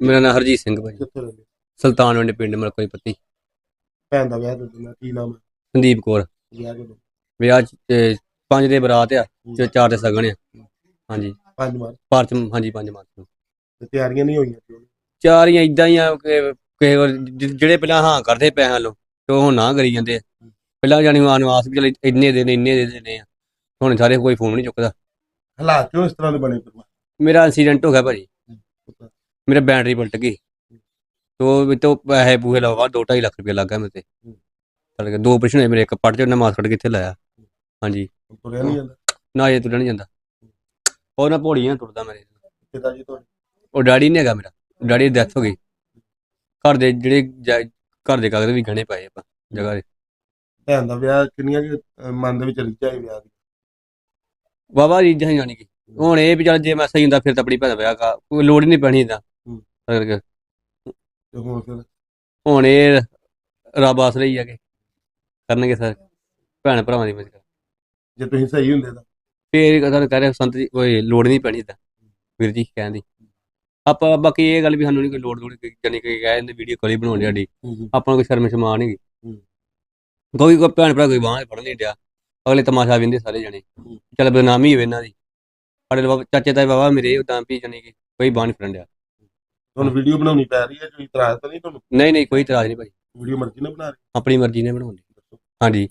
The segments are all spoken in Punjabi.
ਮੇਰਾ ਨਾਮ ਹਰਜੀਤ ਸਿੰਘ ਭਾਜੀ। ਕਿੱਥੇ ਰਹਿੰਦੇ? ਸੁਲਤਾਨਵਿੰਡ ਪਿੰਡ ਮਲਕੋਈ ਪੱਤੀ। ਭੈਣ ਦਾ ਵਿਆਹ ਕਦੋਂ? ਕੀ ਨਾਮ ਹੈ? ਸੰਦੀਪ ਕੌਰ। ਵਿਆਹ ਕਦੋਂ? ਵਿਆਹ 5 ਦੇ ਬਰਾਤ ਆ ਤੇ 4 ਦੇ ਸਗਨ ਆ। ਹਾਂਜੀ 5 ਮਾਰਚ ਮਾਰਚ ਹਾਂਜੀ 5 ਮਾਰਚ ਨੂੰ। ਤੇ ਤਿਆਰੀਆਂ ਨਹੀਂ ਹੋਈਆਂ ਕਿਉਂ? ਚਾਰੀਆਂ ਇਦਾਂ ਹੀ ਆ ਕਿ ਕਿਸੇ ਵਾਰ ਜਿਹੜੇ ਪਹਿਲਾਂ ਹਾਂ ਕਰਦੇ ਪੈਸਿਆਂ ਲੋ ਤੇ ਉਹ ਨਾ ਕਰੀ ਜਾਂਦੇ ਆ। ਪਹਿਲਾਂ ਜਾਣੀ ਆਸ ਵੀ ਚੱਲ ਇੰਨੇ ਦੇ ਦੇਣੇ ਆ। ਹੁਣ ਸਾਰੇ ਕੋਈ ਫੋਨ ਨਹੀਂ ਚੁੱਕਦਾ। ਹਾਲਾਤ ਕਿਉਂ ਇਸ ਤਰ੍ਹਾਂ ਦੇ ਬਣੇ ਪਰਿਵਾਰ? ਮੇਰਾ ਐਕਸੀਡੈਂਟ ਹੋ ਗਿਆ ਭਾਜੀ। ਮੇਰਾ ਬੈਟਰੀ ਪਲਟ ਗਈ तो पैसे पूहे लगा 2-2.5 लाख रुपया लग गया मेरे ते। 2 ऑपरेशन होए मेरे, एक पट च मास कट के इत्थे लाया। हाँ जी ਤੁਰਿਆ ਨਹੀਂ ਜਾਂਦਾ? ना ये तुरना नहीं जाता और ना पौड़ी ना टुरदा मेरे। ਪਿਤਾ ਜੀ ਤੁਹਾਡੇ? और डैडी नहीं हैगा मेरा, डैडी दी डेथ हो गई। घर दे जेह्ड़े घर दे कागज भी गहने पाए ਆਪਾਂ जगह दे। ਭੈਣ ਦਾ ਵਿਆਹ ਕਿੰਨੀਆਂ ਕਿ ਮਨ ਦੇ ਵਿੱਚ ਰੀਝਾਂ ਸੀ ਵਿਆਹ ਦੀ? वाहवा रीझां ही जानी कि हुण ਇਹ ਵੀ ਚੱਲ ਜੇ ਮੈਂ ਸਹੀ ਹੁੰਦਾ ਫਿਰ ਤਾਂ ਆਪਣੀ ਭੈਣ ਦਾ ਵਿਆਹ ਕਰ ਕੋਈ ਲੋੜ ਹੀ ਨਹੀਂ ਪੈਣੀ ਇਦਾਂ ਕਰਕੇ। ਤੇ ਹੁਣ ਫਿਰ ਹੁਣ ਇਹ ਰੱਬ ਆਸਰੇ ਹੀ ਆ ਕਿ ਕਰਨਗੇ ਸਰ ਭੈਣ ਭਰਾਵਾਂ ਦੀ ਮਦਦ। ਜੇ ਤੁਸੀਂ ਸਹੀ ਹੁੰਦੇ ਤਾਂ ਫੇਰ ਤੁਹਾਨੂੰ ਕਹਿ ਰਿਹਾ ਸੰਤ ਜੀ ਕੋਈ ਲੋੜ ਨਹੀਂ ਪੈਣੀ ਇਦਾਂ ਵੀਰ ਜੀ ਕਹਿਣ ਦੀ। ਆਪਾਂ ਬਾਕੀ ਇਹ ਗੱਲ ਵੀ ਸਾਨੂੰ ਨਹੀਂ ਕੋਈ ਲੋੜ ਜਾਨੀ ਕਿ ਕਹਿ ਦਿੰਦੇ ਵੀਡੀਓ ਕਾਲ ਹੀ ਬਣਾਉਣੀ ਸਾਡੀ। ਆਪਾਂ ਨੂੰ ਕੋਈ ਸ਼ਰਮ ਸ਼ਰਮਾ ਨਹੀਂ ਕੋਈ ਭੈਣ ਭਰਾ ਕੋਈ ਬਾਂਹ ਫੜ ਨਹੀਂ ਡਿਆ। ਅਗਲੇ ਤਮਾਸ਼ਾ ਵੇਂਦੇ ਸਾਰੇ ਜਣੇ ਚੱਲ ਬਦਨਾਮੀ ਹੋਵੇ ਇਹਨਾਂ ਦੀ। ਸਾਡੇ ਚਾਚੇ ਤਾਏ ਬਾਬਾ ਮੇਰੇ ਉਦਾਂ ਵੀ ਜਾਨੀ ਕਿ ਕੋਈ ਬਾਂਹ ਨਹੀਂ ਫੜਨ ਡਿਆ। ਤੁਹਾਨੂੰ ਵੀਡੀਓ ਬਣਾਉਣੀ ਪੈ ਰਹੀ ਹੈ, ਕੋਈ ਇਤਰਾਜ਼ ਤਾਂ ਨਹੀਂ ਤੁਹਾਨੂੰ? ਨਹੀਂ ਕੋਈ ਇਤਰਾਜ਼ ਨਹੀਂ ਭਾਈ, ਵੀਡੀਓ ਮਰਜ਼ੀ ਨਾਲ ਬਣਾ ਰਹੇ? ਆਪਣੀ ਮਰਜ਼ੀ ਨਾਲ ਬਣਾਉਂਦੇ। ਹਾਂਜੀ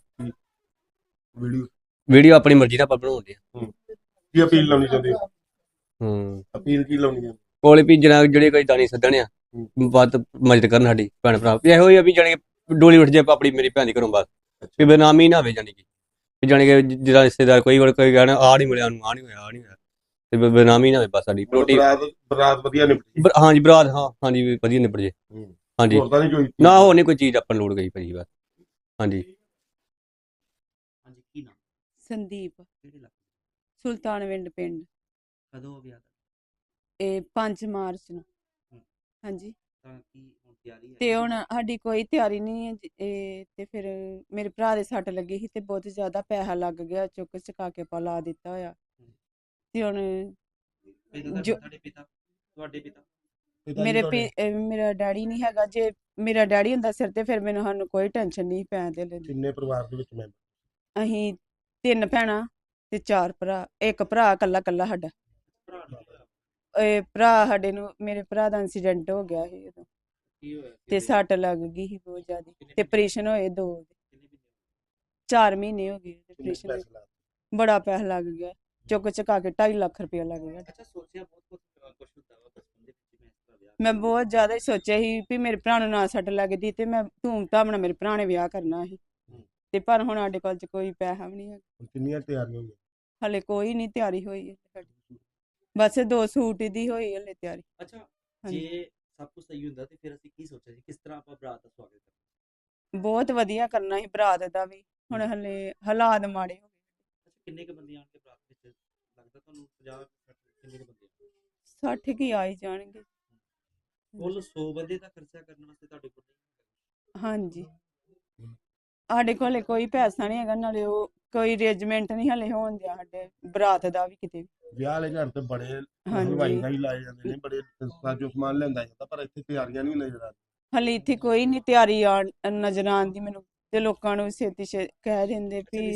ਵੀਡੀਓ ਆਪਣੀ ਮਰਜ਼ੀ ਨਾਲ ਆਪਾਂ ਬਣਾਉਂਦੇ ਆ। ਕੀ ਅਪੀਲ ਲਾਉਣੀ ਚਾਹੁੰਦੇ ਹੋ? ਅਪੀਲ ਕੀ ਲਾਉਣੀ ਹੈ? ਕੋਲੇ ਵੀ ਜਨਾਬ ਜਿਹੜੇ ਕੋਈ ਦਾਨੀ ਸੱਦਣ ਆ ਵੱਧ ਮਦਦ ਕਰਨ ਸਾਡੀ ਭੈਣ ਭਰਾ। ਇਹੋ ਹੀ ਆ ਵੀ ਜਾਣੀ ਕਿ ਡੋਲੀ ਉੱਠ ਜੇ ਆਪਣੀ ਮੇਰੀ ਭੈਣ ਦੀ ਘਰੋਂ ਬਾਅਦ ਵੀ ਬਦਨਾਮੀ ਨਾ ਹੋਵੇ। ਜਾਣੀ ਕਿ ਜਿਹੜਾ ਰਿਸ਼ਤੇਦਾਰ ਕੋਈ ਕਹਿਣਾ ਆਹ ਨਹੀਂ ਮਿਲਿਆ ਉਹਨੂੰ, ਆਹ ਨਹੀਂ ਹੋਇਆ ਤੇ ਬਦਨਾਮੀ ਨਾ ਹੋਵੇ ਬਸ ਸਾਡੀ। ਬਰਾਤ ਵਧੀਆ ਨਿਪਟੀ? ਹਾਂਜੀ ਬਰਾਤ ਹਾਂਜੀ ਵਧੀਆ ਨਿਬੜ ਜੇ। ਹਾਂਜੀ ਨਾ ਹੋਰ ਨਹੀਂ ਕੋਈ ਚੀਜ਼ ਆਪਾਂ ਨੂੰ ਲੋੜ ਗਈ ਭਾਜੀ ਬਸ। ਹਾਂਜੀ ਸੰਦੀਪ ਸੁਲਤਾਨਵਿੰਡ ਪਿੰਡ। ਕਦੋਂ ਵਿਆਹ ਦਾ? ਇਹ 5 ਮਾਰਚ ਨੂੰ। ਹਾਂਜੀ ਤਾਂ ਕੀ ਹੁਣ ਤਿਆਰੀ ਹੈ? ਤੇ ਹੁਣ ਸਾਡੀ ਕੋਈ ਤਿਆਰੀ ਨਹੀਂ ਹੈ ਇਹ ਤੇ ਫਿਰ ਮੇਰੇ ਭਰਾ ਦੇ ਸੱਟ ਲੱਗੀ ਸੀ ਤੇ ਬਹੁਤ ਜ਼ਿਆਦਾ ਪੈਸਾ ਲੱਗ ਗਿਆ, ਚੁੱਕ ਚੁਕਾ ਕੇ ਪਾ ਲਾ ਦਿੱਤਾ ਹੋਇਆ ਤੇ ਹੁਣ ਤੁਹਾਡੇ ਪਿਤਾ ਮੇਰਾ ਡੈਡੀ ਨਹੀਂ ਹੈਗਾ। ਜੇ ਮੇਰਾ ਡੈਡੀ ਹੁੰਦਾ ਸਿਰ ਤੇ ਫਿਰ ਸਾਨੂੰ ਕੋਈ ਟੈਨਸ਼ਨ ਨਹੀਂ ਪੈਣ ਦੇ ਲੈਂਦੀ। ਕਿੰਨੇ ਪਰਿਵਾਰ ਦੇ ਵਿੱਚ ਮੈਂਬਰ? ਅਸੀਂ 3 ਭੈਣਾਂ ਤੇ 4 ਭਰਾ, ਇੱਕ ਭਰਾ ਕੱਲਾ ਸਾਡਾ। ਇਹ ਭਰਾ ਸਾਡੇ ਨੂੰ ਮੇਰੇ ਭਰਾ ਦਾ ਐਕਸੀਡੈਂਟ ਹੋ ਗਿਆ ਸੀ ਉਦੋਂ ਤੇ ਸੱਟ ਲੱਗ ਗਈ ਸੀ ਬਹੁਤ ਜ਼ਿਆਦਾ ਤੇ ਆਪਰੇਸ਼ਨ ਹੋਏ 2 4 ਮਹੀਨੇ ਹੋ ਗਏ ਆਪਰੇਸ਼ਨ। ਬੜਾ ਪੈਸਾ ਲੱਗ ਗਿਆ, ਚੁੱਕ ਚੁਕਾ ਕੇ 2.5 ਲੱਖ ਰੁਪਇਆ ਲੱਗ ਗਿਆ। ਮੈਂ ਬਹੁਤ ਜ਼ਿਆਦਾ ਹੀ ਸੋਚਿਆ ਸੀ ਵੀ ਮੇਰੇ ਭਰਾ ਨੂੰ ਨਾ ਸੱਟ ਲੱਗਦੀ ਤੇ ਮੈਂ ਧੂਮ ਧਾਮ ਨਾਲ ਮੇਰੇ ਭਰਾ ਨੇ ਵਿਆਹ ਕਰਨਾ ਸੀ ਤੇ ਪਰ ਹੁਣ ਸਾਡੇ ਕੋਲ ਕੋਈ ਪੈਸਾ ਵੀ ਨਹੀਂ ਹੈ। ਕਿੰਨੀਆਂ ਤਿਆਰੀਆਂ ਹੋਈਆਂ? ਹਲੇ ਕੋਈ ਨਹੀਂ ਤਿਆਰੀ ਹੋਈ ਹੈ ਸਾਡੀ, ਬਸ 2 ਸੂਟ ਦੀ ਹੋਈ ਹਲੇ ਤਿਆਰੀ। ਅੱਛਾ ਜੇ ਸਭ ਕੁਝ ਸਹੀ ਹੁੰਦਾ ਤੇ ਫਿਰ ਅਸੀਂ ਕੀ ਸੋਚਿਆ ਜੀ ਕਿਸ ਤਰ੍ਹਾਂ ਆਪਾਂ ਬਰਾਤ ਦਾ ਸਵਾਗਤ ਕਰਾਂਗੇ? ਬਹੁਤ ਵਧੀਆ ਕਰਨਾ ਸੀ ਬਰਾਤ ਦਾ ਵੀ, ਹੁਣ ਹਲੇ ਹਾਲਾਤ ਮਾੜੇ ਹੋ ਗਏ। ਕਿੰਨੇ ਕੁ ਬੰਦੇ ਆਣਗੇ ਬਰਾਤ ਵਿੱਚ ਲੱਗਦਾ ਤੁਹਾਨੂੰ? 50 ਕਿੰਨੇ ਕੁ ਬੰਦੇ? 60 ਕੀ ਆ ਹੀ ਜਾਣਗੇ। ਕੁੱਲ 100 ਬੰਦੇ ਦਾ ਖਰਚਾ ਕਰਨ ਵਾਸਤੇ ਤੁਹਾਡੇ ਕੋਲ? ਹਾਂਜੀ ਸਾਡੇ ਕੋਲ ਕੋਈ ਪੈਸਾ ਨਹੀਂ ਹੈਗਾ, ਨਾਲੇ ਉਹ ਕੋਈ ਅਰੇਂਜਮੈਂਟ ਨਹੀਂ ਹਲੇ ਹੋਣ ਦਿਆ ਸਾਡੇ ਬਰਾਤ ਦਾ ਵੀ ਕਿਤੇ। ਵਿਆਹ ਵਾਲੇ ਘਰ ਤੇ ਬੜੇ ਹਲਵਾਈ ਦਾ ਹੀ ਲਾਏ ਜਾਂਦੇ ਨੇ, ਬੜੇ ਸਾਜੋ ਸਮਾਨ ਲਿਆਂਦਾ ਜਾਂਦਾ, ਪਰ ਇੱਥੇ ਤਿਆਰੀਆਂ ਨਹੀਂ ਨਜ਼ਰ ਆਉਂਦੀਆਂ। ਹਲੇ ਇੱਥੇ ਕੋਈ ਨਹੀਂ ਤਿਆਰੀ ਨਜ਼ਰ ਆਉਂਦੀ ਮੈਨੂੰ ਤੇ ਲੋਕਾਂ ਨੂੰ ਛੇਤੀ ਕਹਿ ਦਿੰਦੇ ਵੀ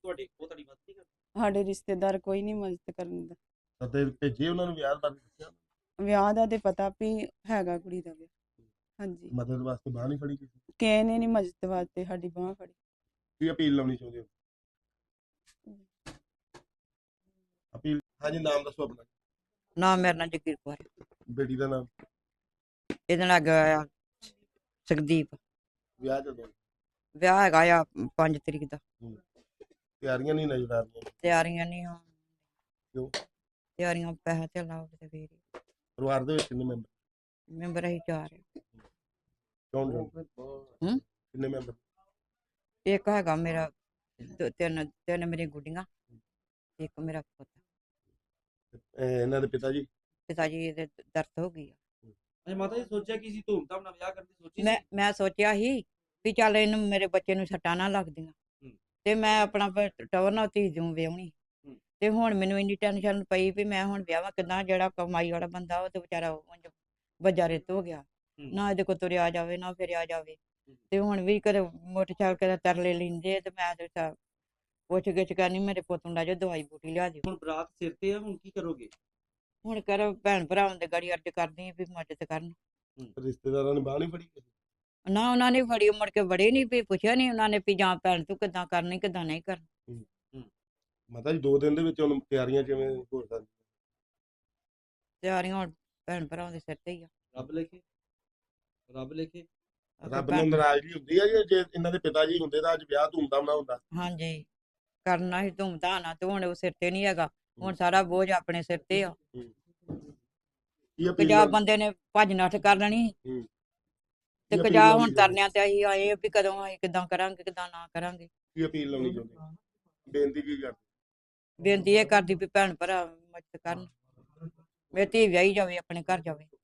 ਸਾਡੇ ਰਿਸ਼ਤੇਦਾਰ ਕੋਈ ਨਹੀਂ ਮਦਦ ਕਰਨ ਦਾ। ਤੇ ਭੇਜੇ ਉਹਨਾਂ ਨੂੰ ਵਿਆਹ ਬਾਰੇ ਦੱਸਿਆ? ਵਿਆਹ ਦਾ ਤੇ ਪਤਾ ਵੀ ਹੈਗਾ ਕੁੜੀ ਦਾ ਵਿਆਹ। ਹਾਂਜੀ ਮਦਦ ਵਾਸਤੇ ਬਾਂਹ ਨਹੀਂ ਫੜੀ ਕਿਸੇ ਕਿਸੇ ਨੇ ਨਹੀਂ ਮਦਦ ਵਾਸਤੇ ਸਾਡੀ ਬਾਂਹ ਫੜੀ। ਕੀ ਅਪੀਲ ਲਾਉਣੀ ਚਾਹੁੰਦੇ ਹੋ? ਅਪੀਲ ਹਾਂਜੀ ਨਾਮ ਦੱਸੋ ਆਪਣਾ। ਨਾਮ ਮੇਰਾ ਨਾਂ ਜਗੀਰ ਕੌਰ। ਬੇਟੀ ਦਾ ਨਾਮ? ਇਹਦੇ ਨਾਲ ਗਿਆ ਸੁਖਦੀਪ। ਵਿਆਹ ਜਦੋਂ? ਵਿਆਹ ਹੈਗਾ ਆ 5 ਤਰੀਕ ਦਾ। ਤਿਆਰੀਆਂ ਨਹੀਂ ਨਜ਼ਰ ਆ ਰਹੀਆਂ? ਤਿਆਰੀਆਂ ਨਹੀਂ ਹੋਣ। ਕਿਉਂ? ਤਿਆਰੀਆਂ ਪੈਸਾ ਤੇ ਲਾਓ ਤੇ ਫੇਰ। ਪਰਿਵਾਰ ਦੇ ਵਿੱਚ ਕਿੰਨੇ ਮੈਂਬਰ? ਮੈਂਬਰ ਅਸੀਂ 4 ਕੌਣ ਕਿੰਨੇ ਮੈਂਬਰ? ਇੱਕ ਹੈਗਾ ਮੇਰਾ 3 ਮੇਰੀ ਗੁੱਡੀਆਂ, ਇੱਕ ਮੇਰਾ ਪੁੱਤ। ਇਹਨਾਂ ਦੇ ਪਿਤਾ ਜੀ? ਪਿਤਾ ਜੀ ਇਹਦੇ ਦਰਦ ਹੋ ਗਈ ਆ। ਅੱਛਾ ਮਾਤਾ ਜੀ ਸੋਚਿਆ ਕਿ ਸੀ ਧੂਮ ਧਾਮ ਨਾਲ ਵਿਆਹ ਕਰਨ ਦੀ ਸੋਚੀ? ਮੈਂ ਸੋਚਿਆ ਸੀ ਵੀ ਚੱਲ ਇਹਨੂੰ ਮੇਰੇ ਬੱਚੇ ਨੂੰ ਸੱਟਾਂ ਨਾ ਲੱਗਦੀਆਂ ਤੇ ਮੈਂ ਆਪਣਾ ਟਵਰ ਨਾਲ ਧੀ ਦੂੰ ਵਿਆਹਣੀ। ਤੇ ਹੁਣ ਮੈਨੂੰ ਇੰਨੀ ਟੈਨਸ਼ਨ ਪਈ ਵੀ ਮੈਂ ਹੁਣ ਵਿਆਹਾਂ ਕਿੱਦਾਂ, ਜਿਹੜਾ ਕਮਾਈ ਵਾਲਾ ਬੰਦਾ ਉਹ ਤੇ ਵਿਚਾਰਾ ਵੱਜਾ ਰਿੱਤ ਹੋ ਗਿਆ, ਨਾ ਇਹਦੇ ਕੋਲ ਤੁਰਿਆ ਜਾਵੇ ਨਾ ਫਿਰਿਆ ਜਾਵੇ। ਤੇ ਹੁਣ ਵੀ ਕਦੇ ਮੋਟਰਸਾਈਕਲ ਤੇ ਤਰਲੇ ਲੈਂਦੇ ਤੇ ਮੈਂ ਤੇ ਪੁੱਛ ਗਿੱਛ ਕਰਨੀ, ਮੇਰੇ ਪੁੱਤ ਨੂੰ ਲੈ ਜਾਓ, ਦਵਾਈ ਬੂਟੀ ਲਿਆ ਦਿਓ। ਹੁਣ ਬਰਾਤ ਸਿਰ ਤੇ ਆ, ਹੁਣ ਕੀ ਕਰੋਗੇ? ਹੁਣ ਕਰੋ ਭੈਣ ਭਰਾਵਾਂ ਦੇ ਗਾੜੀ ਅਰਜ਼ ਕਰਦੀ ਆ ਵੀ ਮਦਦ ਕਰਨ। ਰਿਸ਼ਤੇਦਾਰਾਂ ਨੇ ਬਾਹ ਨਹੀਂ ਫੜੀ ਕਿਸੇ? ਨਾ ਉਹਨਾਂ ਨੇ ਫੜੀ, ਮੁੜ ਕੇ ਵੜੇ ਨਹੀਂ, ਵੀ ਪੁੱਛਿਆ ਨਹੀਂ ਉਹਨਾਂ ਨੇ ਵੀ ਜਾਂ ਭੈਣ ਤੂੰ ਕਿੱਦਾਂ ਕਰਨੀ ਕਿੱਦਾਂ ਨਹੀਂ ਕਰਨੀ। ਮਾਤਾ ਜੀ 2 ਦਿਨ ਦੇ ਵਿੱਚ ਹੁਣ ਤਿਆਰੀਆਂ ਕਿਵੇਂ ਹੋ ਸਕਦੀਆਂ? ਤਿਆਰੀਆਂ ਹੁਣ ਭੈਣ ਭਰਾਵਾਂ ਦੇ ਸਿਰ ਤੇ ਹੀ ਆ। ਰੱਬ ਲਿਖੇ, ਰੱਬ ਲਿਖੇ। ਰੱਬ ਨੂੰ ਨਾਰਾਜ਼ਗੀ ਹੁੰਦੀ ਹੈ ਜੀ ਜੇ ਇਹਨਾਂ ਦੇ ਪਿਤਾ ਜੀ ਹੁੰਦੇ ਤਾਂ ਅੱਜ ਵਿਆਹ ਧੂਮਧਾਮ ਨਾਲ ਹੁੰਦਾ? ਹਾਂਜੀ, ਕਰਨਾ ਹੀ ਧੂਮਧਾਮ ਨਾਲ, ਤੇ ਹੁਣ ਉਹ ਸਿਰ ਤੇ ਨਹੀਂ ਹੈਗਾ, ਹੁਣ ਸਾਰਾ ਬੋਝ ਆਪਣੇ ਸਿਰ ਤੇ ਆ। ਕੀ ਅਪੀਲ ਪੰਜਾਬ ਬੰਦੇ ਨੇ ਭੱਜ ਨੱਠ ਕਰ ਲੈਣੀ ਤੇ ਕੀ ਕਜਾ ਅਪੀਲ ਹੁਣ ਤਰਨਿਆਂ ਤੇ ਅਸੀਂ ਆਏ ਆ ਵੀ ਕਦੋਂ ਅਸੀਂ ਕਿੱਦਾਂ ਕਰਾਂਗੇ ਕਿੱਦਾਂ ਨਾ ਕਰਾਂਗੇ। ਕੀ ਅਪੀਲ ਲਾਉਣੀ ਚਾਹੁੰਦੇ, ਬੇਨਤੀ ਕੀ ਕਰਦੇ? ਬੇਨਤੀ ਇਹ ਕਰਦੀ ਵੀ ਭੈਣ ਭਰਾ ਮਦਦ ਕਰਨ, ਮੇਰੀ ਧੀ ਵਿਆਹੀ ਜਾਵੇ, ਆਪਣੇ ਘਰ ਜਾਵੇ।